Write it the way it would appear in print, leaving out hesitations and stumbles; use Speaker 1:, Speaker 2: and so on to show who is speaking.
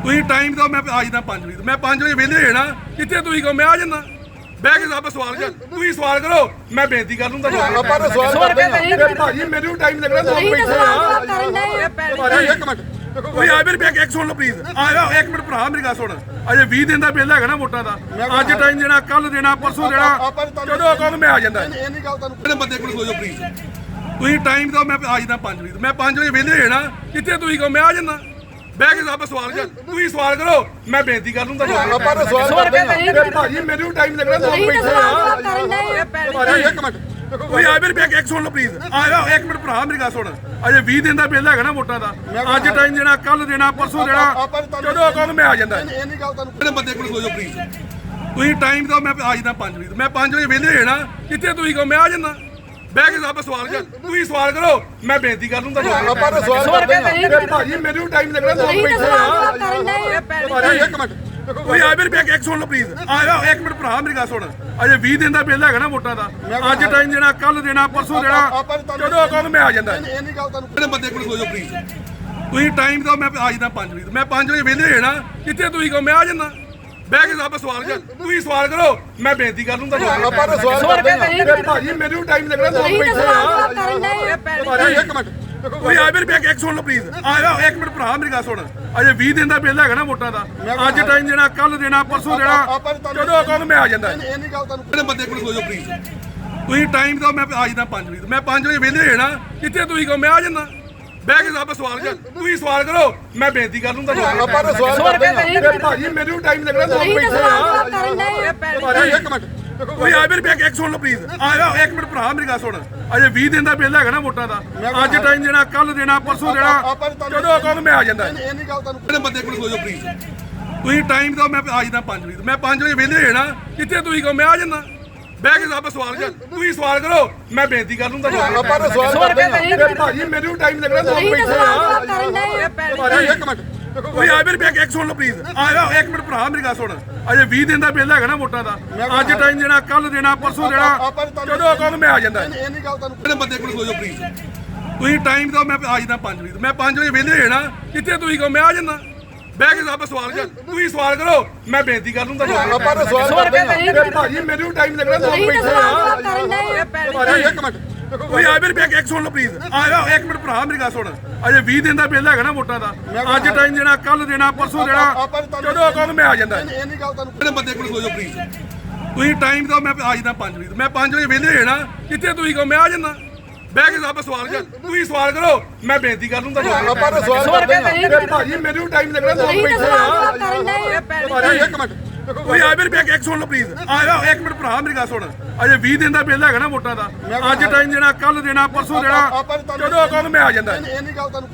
Speaker 1: ਤੁਸੀਂ ਟਾਈਮ ਦਿਓ ਮੈਂ ਆ ਜਾਂਦਾ 5 ਵਜੇ ਮੈਂ 5 ਵਜੇ ਵਿਹਲੇ ਹੋਣਾ ਕਿੱਥੇ ਤੁਸੀਂ ਕਹੋ ਮੈਂ ਆ ਜਾਂਦਾ ਬਹਿ ਕੇ ਸਭ ਸਵਾਲ ਕਰ ਤੁਸੀਂ ਸਵਾਲ ਕਰੋ ਮੈਂ ਬੇਨਤੀ ਕਰ ਲੂੰਗਾ
Speaker 2: ਆਪਾਂ ਤਾਂ ਸਵਾਲ ਕਰਦੇ ਹਾਂ
Speaker 1: ਭਾਜੀ ਮੈਨੂੰ ਟਾਈਮ ਲੱਗਣਾ ਲੋਕ ਬੈਠੇ ਆ ਭਾਜੀ ਇੱਕ ਮਿੰਟ ਕੋਈ ਆ ਮੇਰੇ ਬੈਕ ਇੱਕ ਸੁਣ ਲਓ ਪਲੀਜ਼ ਆ ਜਾ ਇੱਕ ਮਿੰਟ ਭਰਾ ਮੇਰੀ ਗੱਲ ਸੁਣ ਅਜੇ 20 ਦਿਨ ਦਾ ਬਿੱਲ ਹੈਗਾ ਨਾ ਵੋਟਾਂ ਦਾ ਅੱਜ ਟਾਈਮ ਦੇਣਾ ਕੱਲ ਦੇਣਾ ਪਰਸੋਂ ਦੇਣਾ ਜਦੋਂ ਕਹੋ ਮੈਂ ਆ ਜਾਂਦਾ
Speaker 2: ਇਹ ਨਹੀਂ ਗੱਲ ਤੁਹਾਨੂੰ
Speaker 1: ਕਿਹੜੇ ਬੰਦੇ ਕੋਲ ਸੋਜੋ ਪਲੀਜ਼ ਤੁਸੀਂ ਟਾਈਮ ਦਿਓ ਮੈਂ ਆ ਜਾਂਦਾ 5 ਵਜੇ ਮੈਂ 5 ਵਜੇ ਵਿਹਲੇ ਹੋਣਾ ਕਿੱਥੇ ਤੁਸੀਂ ਕਹੋ ਮੈਂ ਆ ਜਾਂਦਾ ਬਹਿ ਕੇ ਸਭ ਸਵਾਲ ਕਰ ਤੁਸੀਂ ਸਵਾਲ ਕਰੋ ਮੈਂ ਬੇਨਤੀ ਕਰ ਲੂੰਗਾ
Speaker 2: ਆਪਾਂ ਤਾਂ ਸਵਾਲ ਕਰਦੇ ਹਾਂ
Speaker 1: ਭਾਜੀ ਮੈਨੂੰ ਟਾਈਮ ਲੱਗਣਾ ਲੋਕ ਬੈਠੇ ਆ ਭਾਜੀ ਇੱਕ ਮਿੰਟ ਕੋਈ ਆ ਮੇਰੇ ਬੈਕ ਇੱਕ ਸੁਣ ਲਓ ਪਲੀਜ਼ ਆ ਜਾ ਇੱਕ ਮਿੰਟ ਭਰਾ ਮੇਰੀ ਗੱਲ ਸੁਣ ਅਜੇ 20 ਦਿਨ ਦਾ ਬਿੱਲ ਹੈਗਾ ਨਾ ਵੋਟਾਂ ਦਾ ਅੱਜ ਟਾਈਮ ਦੇਣਾ ਕੱਲ ਦੇਣਾ ਪਰਸੋਂ ਦੇਣਾ ਜਦੋਂ ਕਹੋ ਮੈਂ ਆ ਜਾਂਦਾ
Speaker 2: ਇਹ ਨਹੀਂ ਗੱਲ ਤੁਹਾਨੂੰ
Speaker 1: ਕਿਹੜੇ ਬੰਦੇ ਕੋਲ ਸੋਜੋ ਪਲੀਜ਼ ਤੁਸੀਂ ਟਾਈਮ ਦਿਓ ਮੈਂ ਆ ਜਾਂਦਾ 5 ਵਜੇ ਮੈਂ 5 ਵਜੇ ਵਿਹਲੇ ਹੋਣਾ ਕਿੱਥੇ ਤੁਸੀਂ ਕਹੋ ਮੈਂ ਆ ਜਾਂਦਾ ਬਹਿ ਕੇ ਸਭ ਸਵਾਲ ਕਰ ਤੁਸੀਂ ਸਵਾਲ ਕਰੋ ਮੈਂ ਬੇਨਤੀ ਕਰ ਲੂੰਗਾ
Speaker 2: ਆਪਾਂ ਤਾਂ ਸਵਾਲ ਕਰਦੇ ਹਾਂ
Speaker 1: ਭਾਜੀ ਮੈਨੂੰ ਟਾਈਮ ਲੱਗਣਾ ਲੋਕ ਬੈਠੇ ਆ ਭਾਜੀ ਇੱਕ ਮਿੰਟ ਕੋਈ ਆ ਮੇਰੇ ਬੈਕ ਇੱਕ ਸੁਣ ਲਓ ਪਲੀਜ਼ ਆ ਜਾ ਇੱਕ ਮਿੰਟ ਭਰਾ ਮੇਰੀ ਗੱਲ ਸੁਣ ਅਜੇ 20 ਦਿਨ ਦਾ ਬਿੱਲ ਹੈਗਾ ਨਾ ਵੋਟਾਂ ਦਾ ਅੱਜ ਟਾਈਮ ਦੇਣਾ ਕੱਲ ਦੇਣਾ ਪਰਸੋਂ ਦੇਣਾ ਜਦੋਂ ਕਹੋ ਮੈਂ ਆ ਜਾਂਦਾ
Speaker 2: ਇਹ ਨਹੀਂ ਗੱਲ ਤੁਹਾਨੂੰ
Speaker 1: ਕਿਹੜੇ ਬੰਦੇ ਕੋਲ ਸੋਜੋ ਪਲੀਜ਼ ਤੁਸੀਂ ਟਾਈਮ ਦਿਓ ਮੈਂ ਆ ਜਾਂਦਾ 5 ਵਜੇ ਮੈਂ 5 ਵਜੇ ਵਿਹਲੇ ਹੋਣਾ ਕਿੱਥੇ ਤੁਸੀਂ ਕਹੋ ਮੈਂ ਆ ਜਾਂਦਾ ਬਹਿ ਕੇ ਸਭ ਸਵਾਲ ਕਰ ਤੁਸੀਂ ਸਵਾਲ ਕਰੋ ਮੈਂ ਬੇਨਤੀ ਕਰ ਲੂੰਗਾ
Speaker 2: ਆਪਾਂ ਤਾਂ ਸਵਾਲ ਕਰਦੇ ਹਾਂ
Speaker 1: ਭਾਜੀ ਮੈਨੂੰ ਟਾਈਮ ਲੱਗਣਾ ਲੋਕ ਬੈਠੇ ਆ ਭਾਜੀ ਇੱਕ ਮਿੰਟ ਕੋਈ ਆ ਮੇਰੇ ਬੈਕ ਇੱਕ ਸੁਣ ਲਓ ਪਲੀਜ਼ ਆ ਜਾ ਇੱਕ ਮਿੰਟ ਭਰਾ ਮੇਰੀ ਗੱਲ ਸੁਣ ਅਜੇ 20 ਦਿਨ ਦਾ ਬਿੱਲ ਹੈਗਾ ਨਾ ਵੋਟਾਂ ਦਾ ਅੱਜ ਟਾਈਮ ਦੇਣਾ ਕੱਲ ਦੇਣਾ ਪਰਸੋਂ ਦੇਣਾ ਜਦੋਂ ਕਹੋ ਮੈਂ ਆ ਜਾਂਦਾ
Speaker 2: ਇਹ ਨਹੀਂ ਗੱਲ ਤੁਹਾਨੂੰ
Speaker 1: ਕਿਹੜੇ ਬੰਦੇ ਕੋਲ ਸੋਜੋ ਪਲੀਜ਼ ਤੁਸੀਂ ਟਾਈਮ ਦਿਓ ਮੈਂ ਆ ਜਾਂਦਾ 5 ਵਜੇ ਮੈਂ 5 ਵਜੇ ਵਿਹਲੇ ਹੋਣਾ ਕਿੱਥੇ ਤੁਸੀਂ ਕਹੋ ਮੈਂ ਆ ਜਾਂਦਾ ਬਹਿ ਕੇ ਸਭ ਸਵਾਲ ਕਰ ਤੁਸੀਂ ਸਵਾਲ ਕਰੋ ਮੈਂ ਬੇਨਤੀ ਕਰ ਲੂੰਗਾ
Speaker 2: ਆਪਾਂ ਤਾਂ ਸਵਾਲ ਕਰਦੇ ਹਾਂ
Speaker 1: ਭਾਜੀ ਮੈਨੂੰ ਟਾਈਮ ਲੱਗਣਾ ਲੋਕ ਬੈਠੇ ਆ ਭਾਜੀ ਇੱਕ ਮਿੰਟ ਕੋਈ ਆ ਮੇਰੇ ਬੈਕ ਇੱਕ ਸੁਣ ਲਓ ਪਲੀਜ਼ ਆ ਜਾ ਇੱਕ ਮਿੰਟ ਭਰਾ ਮੇਰੀ ਗੱਲ ਸੁਣ ਅਜੇ 20 ਦਿਨ ਦਾ ਬਿੱਲ ਹੈਗਾ ਨਾ ਵੋਟਾਂ ਦਾ ਅੱਜ ਟਾਈਮ ਦੇਣਾ ਕੱਲ ਦੇਣਾ ਪਰਸੋਂ ਦੇਣਾ ਜਦੋਂ ਕਹੋ ਮੈਂ ਆ ਜਾਂਦਾ
Speaker 2: ਇਹ ਨਹੀਂ ਗੱਲ ਤੁਹਾਨੂੰ
Speaker 1: ਕਿਹੜੇ ਬੰਦੇ ਕੋਲ ਸੋਜੋ ਪਲੀਜ਼ ਤੁਸੀਂ ਟਾਈਮ ਦਿਓ ਮੈਂ ਆ ਜਾਂਦਾ 5 ਵਜੇ ਮੈਂ 5 ਵਜੇ ਵਿਹਲੇ ਹੋਣਾ ਕਿੱਥੇ ਤੁਸੀਂ ਕਹੋ ਮੈਂ ਆ ਜਾਂਦਾ ਬਹਿ ਕੇ ਸਭ ਸਵਾਲ ਕਰ ਤੁਸੀਂ ਸਵਾਲ ਕਰੋ ਮੈਂ ਬੇਨਤੀ ਕਰ ਲੂੰਗਾ
Speaker 2: ਆਪਾਂ ਤਾਂ ਸਵਾਲ ਕਰਦੇ ਹਾਂ
Speaker 1: ਭਾਜੀ ਮੈਨੂੰ ਟਾਈਮ ਲੱਗਣਾ ਲੋਕ ਬੈਠੇ ਆ ਭਾਜੀ ਇੱਕ ਮਿੰਟ ਕੋਈ ਆ ਮੇਰੇ ਬੈਕ ਇੱਕ ਸੁਣ ਲਓ ਪਲੀਜ਼ ਆ ਜਾ ਇੱਕ ਮਿੰਟ ਭਰਾ ਮੇਰੀ ਗੱਲ ਸੁਣ ਅਜੇ 20 ਦਿਨ ਦਾ ਬਿੱਲ ਹੈਗਾ ਨਾ ਵੋਟਾਂ ਦਾ ਅੱਜ ਟਾਈਮ ਦੇਣਾ ਕੱਲ ਦੇਣਾ ਪਰਸੋਂ ਦੇਣਾ ਜਦੋਂ ਕਹੋ ਮੈਂ ਆ ਜਾਂਦਾ
Speaker 2: ਇਹ ਨਹੀਂ ਗੱਲ ਤੁਹਾਨੂੰ
Speaker 1: ਕਿਹੜੇ ਬੰਦੇ ਕੋਲ ਸੋਜੋ ਪਲੀਜ਼ ਤੁਸੀਂ ਟਾਈਮ ਦਿਓ ਮੈਂ ਆ ਜਾਂਦਾ 5 ਵਜੇ ਮੈਂ 5 ਵਜੇ ਵਿਹਲੇ ਹੋਣਾ ਕਿੱਥੇ ਤੁਸੀਂ ਕਹੋ ਮੈਂ ਆ ਜਾਂਦਾ ਬਹਿ ਕੇ ਸਭ ਸਵਾਲ ਕਰ ਤੁਸੀਂ ਸਵਾਲ ਕਰੋ ਮੈਂ ਬੇਨਤੀ ਕਰ ਲੂੰਗਾ
Speaker 2: ਆਪਾਂ ਤਾਂ ਸਵਾਲ ਕਰਦੇ ਹਾਂ
Speaker 1: ਭਾਜੀ ਮੈਨੂੰ ਟਾਈਮ ਲੱਗਣਾ ਲੋਕ ਬੈਠੇ ਆ ਭਾਜੀ ਇੱਕ ਮਿੰਟ ਕੋਈ ਆ ਮੇਰੇ ਬੈਕ ਇੱਕ ਸੁਣ ਲਓ ਪਲੀਜ਼ ਆ ਜਾ ਇੱਕ ਮਿੰਟ ਭਰਾ ਮੇਰੀ ਗੱਲ ਸੁਣ ਅਜੇ 20 ਦਿਨ ਦਾ ਬਿੱਲ ਹੈਗਾ ਨਾ ਵੋਟਾਂ ਦਾ ਅੱਜ ਟਾਈਮ ਦੇਣਾ ਕੱਲ ਦੇਣਾ ਪਰਸੋਂ ਦੇਣਾ ਜਦੋਂ ਕਹੋ ਮੈਂ ਆ ਜਾਂਦਾ
Speaker 2: ਇਹ ਨਹੀਂ ਗੱਲ ਤੁਹਾਨੂੰ
Speaker 1: ਕਿਹੜੇ ਬੰਦੇ ਕੋਲ ਸੋਜੋ ਪਲੀਜ਼ ਤੁਸੀਂ ਟਾਈਮ ਦਿਓ ਮੈਂ ਆ ਜਾਂਦਾ 5 ਵਜੇ ਮੈਂ 5 ਵਜੇ ਵਿਹਲੇ ਹੋਣਾ ਕਿੱਥੇ ਤੁਸੀਂ ਕਹੋ ਮੈਂ ਆ ਜਾਂਦਾ ਬਹਿ ਕੇ ਸਭ ਸਵਾਲ ਕਰ ਤੁਸੀਂ ਸਵਾਲ ਕਰੋ ਮੈਂ ਬੇਨਤੀ ਕਰ ਲੂੰਗਾ
Speaker 2: ਆਪਾਂ ਤਾਂ ਸਵਾਲ ਕਰਦੇ ਹਾਂ
Speaker 1: ਭਾਜੀ ਮੈਨੂੰ ਟਾਈਮ ਲੱਗਣਾ ਲੋਕ ਬੈਠੇ ਆ ਭਾਜੀ ਇੱਕ ਮਿੰਟ ਕੋਈ ਆ ਮੇਰੇ ਬੈਕ ਇੱਕ ਸੁਣ ਲਓ ਪਲੀਜ਼ ਆ ਜਾ ਇੱਕ ਮਿੰਟ ਭਰਾ ਮੇਰੀ ਗੱਲ ਸੁਣ ਅਜੇ 20 ਦਿਨ ਦਾ ਬਿੱਲ ਹੈਗਾ ਨਾ ਵੋਟਾਂ ਦਾ ਅੱਜ ਟਾਈਮ ਦੇਣਾ ਕੱਲ ਦੇਣਾ ਪਰਸੋਂ ਦੇਣਾ ਜਦੋਂ ਕਹੋ ਮੈਂ ਆ ਜਾਂਦਾ
Speaker 2: ਇਹ ਨਹੀਂ ਗੱਲ ਤੁਹਾਨੂੰ